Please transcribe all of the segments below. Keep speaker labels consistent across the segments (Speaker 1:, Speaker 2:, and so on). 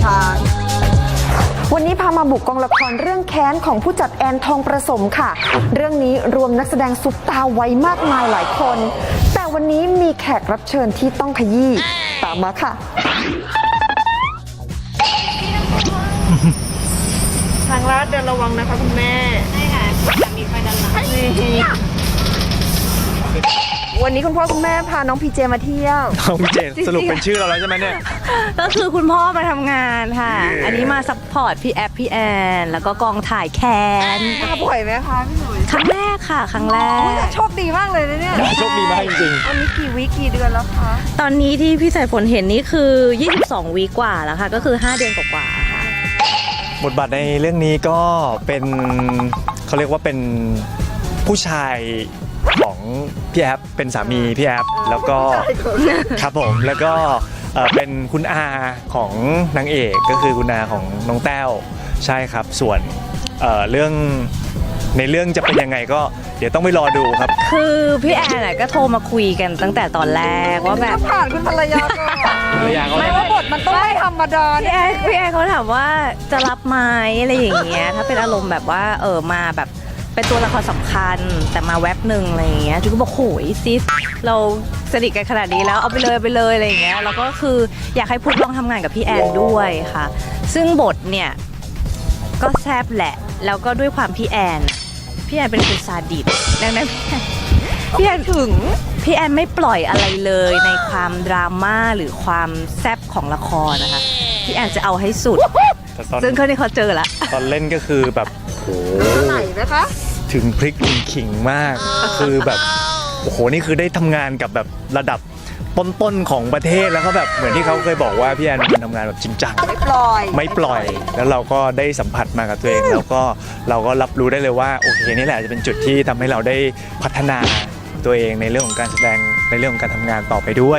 Speaker 1: ช้าง
Speaker 2: วันนี้พามาบุกกองละครเรื่องแค้นของผู้จัดแอนทองประสมค่ะเรื่องนี้รวมนักแสดงซุปตาไว้มากมายหลายคนแต่วันนี้มีแขกรับเชิญที่ต้องขยี้ตามมาค่ะ
Speaker 1: ทางลาดเดินระวังนะคะคุณแม่ใช่ค่ะมีไฟด้านหลังวันนี้คุณพ่อคุณแม่พาน้องพีเจมาเที่ยว
Speaker 3: น้องพีเจสรุปเป็นชื่อเราแล้วใช่ไหมเนี่ย
Speaker 4: ก็คือคุณพ่อมาทำงานค่ะอันนี้มาซัพพอร์ตพี่แอฟพี่แอนแล้วก็กองถ่ายแคน
Speaker 1: มาบ่อยไหมคะพี่หนุ่ย
Speaker 4: ครั้งแรกค่ะครั้งแรก
Speaker 1: โชคดีมากเลยนะเนี่ย
Speaker 3: โชคดีมากจริง
Speaker 1: ๆอันนี้กี่วีกี่เดือนแล้วคะ
Speaker 4: ตอนนี้ที่พี่สายฝนเห็นนี่คือ22วีกว่าแล้วค่ะก็คือ5เดือนกว่าๆค่ะ
Speaker 3: บทบาทในเรื่องนี้ก็เป็นเขาเรียกว่าเป็นผู้ชายของพี่แอฟเป็นสามีพี่แอฟแล้วก็ครับผมแล้วก็เป็นคุณอาของนางเอกก็คือคุณอาของน้องแต้วใช่ครับส่วนเรื่องในเรื่องจะเป็นยังไงก็เดี๋ยวต้องไปรอดูครับ
Speaker 4: คือพี่แอนก็โทรมาคุยกันตั้งแต่ตอนแรกว่าแบบ
Speaker 1: ผ่านคุณภรรยาก่อนไม่ว่าบทมันต้องไม่ธรรมดา
Speaker 4: พี่แอนเขาถามว่าจะรับไหมอะไรอย่างเงี้ยถ้าเป็นอารมณ์แบบว่ามาแบบเป็นตัวละครสำคัญแต่มาแว็บหนึ่งอะไรอย่างเงี้ยจุ๊กก็บอกโหยซิสเราสนิทกันขนาดนี้แล้วเอาไปเลยอะไรอย่างเงี้ยแล้วก็คืออยากให้พุทธลองทำงานกับพี่แอนด้วยค่ะซึ่งบทเนี่ยก็แซ่บแหละแล้วก็ด้วยความพี่แอนเป็นคนซาดิสดังนั้นพี่แอนไม่ปล่อยอะไรเลยในความดราม่าหรือความแซ่บของละครนะคะพี่แอนจะเอาให้สุดซึ่งเขาเจอละ
Speaker 3: ตอนเล่นก็คือแบบโอ้
Speaker 1: ไหนนะคะ
Speaker 3: ถึงพริกถึงขิงมากคือแบบโอ้โหนี่คือได้ทำงานกับแบบระดับต้นๆของประเทศแล้วก็แบบเหมือนที่เขาเคยบอกว่าพี่แอนทำงานแบบจริงจังไม่ปล่อยแล้วเราก็ได้สัมผัสมากับตัวเองแล้วก็เราก็รับรู้ได้เลยว่าโอเคนี่แหละจะเป็นจุดที่ทำให้เราได้พัฒนาตัวเองในเรื่องของการแสดงในเรื่องของการทำงานต่อไปด้วย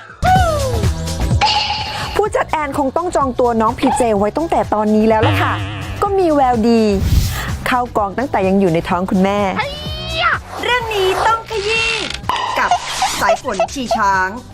Speaker 2: ผู้จัดแอนคงต้องจองตัวน้องพีเจไว้ตั้งแต่ตอนนี้แล้วล่ะค่ะก็มีแววดีเข้ากองตั้งแต่ยังอยู่ในท้องคุณแม่
Speaker 1: เรื่องนี้ต้องขยี้กับสายฝนชีช้าง